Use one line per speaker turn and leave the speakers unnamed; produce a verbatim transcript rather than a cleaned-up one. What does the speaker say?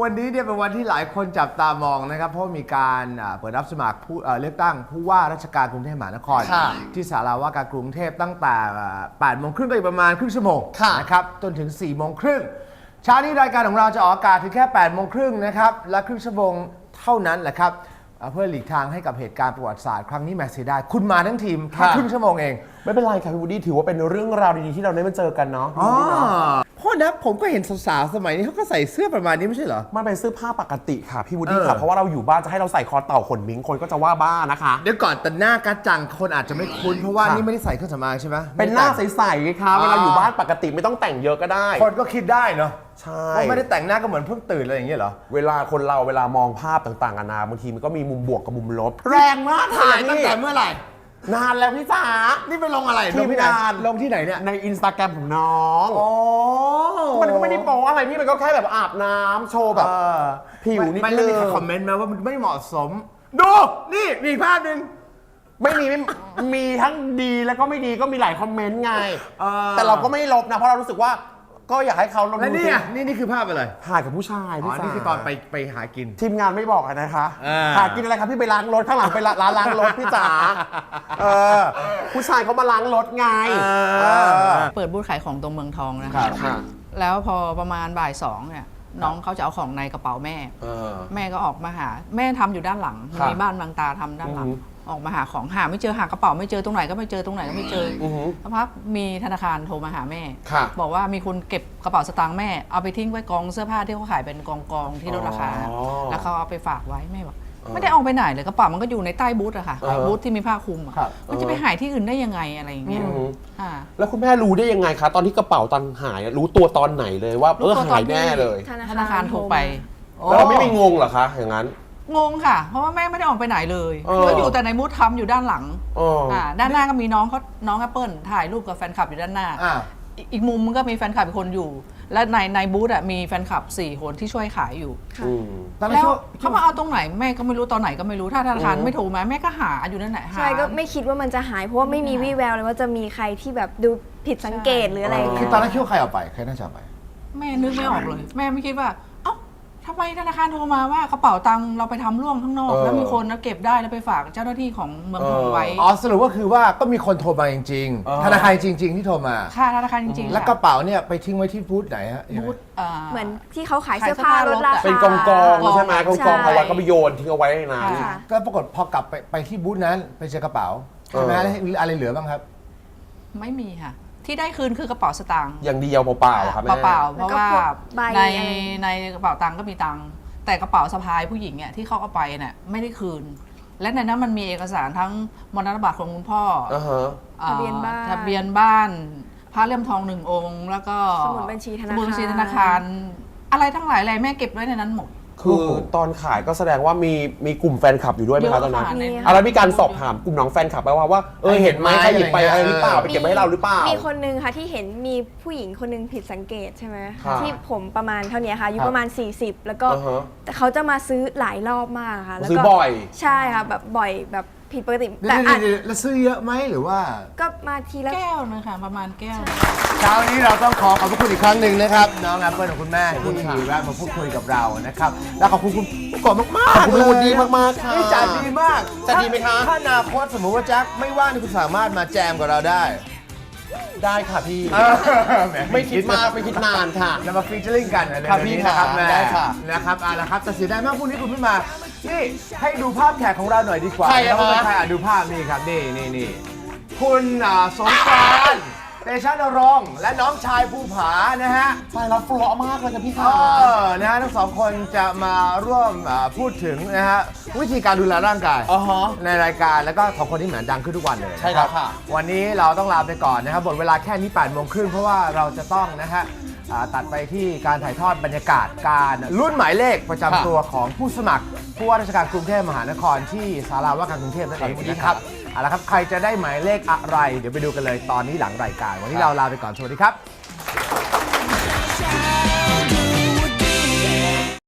วันนี้เนี่ยเป็นวันที่หลายคนจับตามองนะครับเพราะมีการเปิดรับสมัครผู้เลือกตั้งผู้ว่าราชการกรุงเทพมหานครที่ศาลาว่าการกรุงเทพตั้งแต่แปดโมงครึ่งไปประมาณครึ่งชั่วโมงนะครับจนถึงสี่โมงครึ่งเช้านี้รายการของเราจะออกอากาศถึงแค่แปดโมงครึ่งนะครับและครึ่งชั่วโมงเท่านั้นแหละครับเพื่อหลีกทางให้กับเหตุการณ์ประวัติศาสตร์ครั้งนี้แมสเสียดายคุณมาทั้งทีมแค่ครึ่งชั่วโมงเอง
ไม่เป็นไรครับพี่วูดดี้ถือว่าเป็นเรื่องราวดีๆที่เราได้มาเจอกันเนาะ
อ๋อเพราะนะผมก็เห็นสาวๆสมัยนี้เขาก็ใส่เสื้อประมาณนี้ไม่ใช่เหรอ
มันเป็นเสื้อผ้าปกติค่ะพี่วูดดี้ค่ะเพราะว่าเราอยู่บ้านจะให้เราใส่คอเต่าขนมิงคนก็จะว่าบ้านะคะ
เดี๋ยวก่อนแต่หน้ากัจจังคนอาจจะไม่คุ้นเพราะว่านี่ไม่ได้ใส่เครื่องสำอางใช่ไหม
เป็นหน้าใสๆไงคะเวลาอยู่บ้านปกติไม่ต้องแต่งเยอะก็ได้
คนก็คิดได้เนาะ
ใช่
ว่าไม่ได้แต่งหน้าก็เหมือนเพิ่งตื่นอะไรอย่างเงี้ยเหรอ
เวลาคนเราเวลามองภาพต่างๆกันานาบางทีมันก็มีมุมบวกกับมุมลบแรงมาก
ถ่ายตั้งแต่เมื่อไหร่
นานแล้วพี่จ๋า
นี่ไปลงอะไร
ทีมงาน
ลงที่ไหนเนี่ย
ในอินสตาแกรมของน้องอ๋อมันก็ไม่ได้โป๊อะไรพี่มันก็แค่แบบอาบน้ำโชว์แบบผิวนิดนึง
ไม่ได้คอมเมนต์มาว่ามันไม่เหมาะสมดูนี่มีภาพหนึ่ง
ไม่มีมีทั้งดีแล้วก็ไม่ดีก็มีหลายคอมเมนต์ไงแต่เราก็ไม่ลบนะเพราะเรารู้สึกว่าก็อยากให้เขาลง
ดูนี่นี่นี่คือภาพอะไร
ถ่ายกับผู้ชาย
อ๋อนี่คือตอนไปไปหากิน
ทีมงานไม่บอกนะคะหากินอะไรครับพี่ไปล้างรถข้างหลังไปร้านล้างรถพี่จ๋าผู้ชายเขามาล้างรถไง
เปิดบูธขายของตรงเมืองทองนะคะแล้วพอประมาณบ่ายสองเนี่ยน้องเขาจะเอาของในกระเป๋าแม่แม่ก็ออกมาหาแม่ทำอยู่ด้านหลังมีบ้านบางตาทำด้านหลังออกมาหาของหาไม่เจอหากระเป๋าไม่เจอตรงไหนก็ไม่เจอตรงไหนก็ไม่เจอสักพักมีธนาคารโทรมาหาแม่บอกว่ามีคนเก็บกระเป๋าสตางค์แม่เอาไปทิ้งไว้กองเสื้อผ้าที่เขาขายเป็นกองกองที่ลดราคาแล้วเขาเอาไปฝากไว้แม่บอกไม่ได้เอาไปไหนเลยกระเป๋ามันก็อยู่ในใต้บูธอะค่ะบูธที่มีผ้าคลุมมันจะไปหายที่อื่นได้ยังไงอะไรอย่างเงี้ย
แล้วคุณแม่รู้ได้ยังไงคะตอนที่กระเป๋าตังค์หายรู้ตัวตอนไหนเลยว่าเออหายแน่เลย
ธนาคารโทรไป
แล้วเราไม่มีงงเหรอคะอย่างนั้น
งงค่ะเพราะว่าแม่ไม่ได้ออกไปไหนเลยก็อยู่แต่ในบูธทำอยู่ด้านหลังด้านหน้าก็มีน้องเขาน้องแอปเปิลถ่ายรูปกับแฟนคลับอยู่ด้านหน้าอีกมุมมันก็มีแฟนคลับอีกคนอยู่และในในบูธมีแฟนคลับสี่คนที่ช่วยขายอยู่แล้วเขามาเอาตรงไหนแม่ก็ไม่รู้ตอนไหนก็ไม่รู้ถ้าธนาคารไม่โทรมาแม่ก็หาอยู่นั่นแหละ
ใช่ก็ไม่คิดว่ามันจะหายเพราะว่าไม่มีวี่แววเลยว่าจะมีใครที่แบบดูผิดสังเกตหรืออะไร
คือตอนนั้นคิดว่าใครเอาไปใครน่าจะเอาไป
แม่นึกไม่ออกเลยแม่ไม่คิดว่าทำไมธนาคารโทรมาว่ากระเป๋าตังค์เราไปทำร่วงข้างนอกแล้วมีคนนะเก็บได้แล้วไปฝากเจ้าหน้าที่ของเมืองทองไว้
อ๋อสรุปว่าคือว่าก็มีคนโทรมาจริงๆธนาคารจริงๆที่โทรมา
ค่ะธนาคารจริงๆ
แล้วกระเป๋าเนี่ยไปทิ้งไว้ที่บูธไหนฮะ
บูธ
เหมือนที่เขาขายเสื้อผ้าลดราคา
เป็นกองกองใช่ไหมกองกองเอาไว้ก็ไปโยนทิ้งเอาไว้ในนั้น
ก็ปรากฏพอกลับไปไปที่บูธนั้นไปเจอกระเป๋าใช่ไหมอะไรเหลือบ้างครับ
ไม่มีค่ะที่ได้คืนคือกระเป๋าสตางค์
อย่างเดียวเปล่าๆครับแม่
เปล่าๆเพราะว่าในในกระเป๋าตังค์ก็มีตังค์แต่กระเป๋าสะพายผู้หญิงเนี่ยที่เขาเอาไปเนี่ยไม่ได้คืนและในนั้นมันมีเอกสารทั้งมรดกบัตรของคุณพ่อ
ทะเบียนบ้าน
ทะเบียนบ้านพระเลี่ยมทองหนึ่งองค์แล้วก็
สมุดบัญชีธนาคาร
สมุดบัญชีธนาคารอะไรทั้งหลายอะไรแม่เก็บไว้ในนั้นหมด
คือตอนขายก็แสดงว่ามีมีกลุ่มแฟนคลับอยู่ด้วยไหมคะตอนนั้นอะไรมีการสอบถามกลุ่มน้องแฟนคลับไปว่าว่าเออเห็นไหมใครหยิบไปอะไรหรือเปล่าไปเก็บไว้ให้เราหรือเปล่า
มีคนนึงค่ะที่เห็นมีผู้หญิงคนนึงผิดสังเกตใช่ไหมที่ผมประมาณเท่านี้ค่ะอายุประมาณสี่สิบแล้วก็แต่เขาจะมาซื้อหลายรอบมากค่ะ
แล้วก็ซื้อบ่อย
ใช่ค่ะแบบบ่อยแบบผิดปกติ
แต่แล้วซื้อเยอะไหมหรือว่า
ก็มาทีละ
แก้วนะคะประมาณแก้ว
เช้านี้เราต้องขอขอบคุณอีกครั้งหนึ่งนะครับน้องแอปเปิลของคุณแม่ที่แวะมาพูดคุยกับเรานะครับแล้วขอบคุณคุณกบมากๆ
ขอบคุณคุณดีมากๆค่ะ
นี่จัดดีมาก
จัดดีไหมคะ
ถ้าอนาคตสมมติว่าแจ็คไม่ว่างคุณสามารถมาแจมกับเราได้
ได้ค่ะพี่ไม่คิดมากไม่คิดนานค่ะ
เรามาฟีเจอริ่งกัน
ครับพี่
นะครับ
ได้ค่ะ
นะครับอ่ะแล้วครับแต่เสียดายมากพรุ่งนี้คุณไม่มานี่ให้ดูภาพแขกของเราหน่อยดีกว่า
ใคร
ครับใครอ่ะดูภาพนี่ครับนี่นี่นี่คุณสงกรานต์เตชะนรงค์และน้องชายภูผานะฮะ
ใช่รับฟลอมากเลยครับพี่ค่ะ
เออนะฮะทั้งสองคนจะมาร่วมพูดถึงนะฮะวิธีการดูแลร่างกายในรายการแล้วก็สองคนนี้เหมือนดังขึ้นทุกวันเลย
ใช่ครับค่ะ
วันนี้เราต้องลาไปก่อนนะครับหมดเวลาแค่นี้แปดโมงครึ่งเพราะว่าเราจะต้องนะฮะตัดไปที่การถ่ายทอดบรรยากาศการรุ่นหมายเลขประจำตัวของผู้สมัครผู้ว่าราชการกรุงเทพมหานครที่ศาลาว่าการกรุงเทพนั่นเองนะครับเอาละครับใครจะได้หมายเลขอะไรเดี๋ยวไปดูกันเลยตอนนี้หลังรายการวันนี้เราลาไปก่อนสวัสดีครับ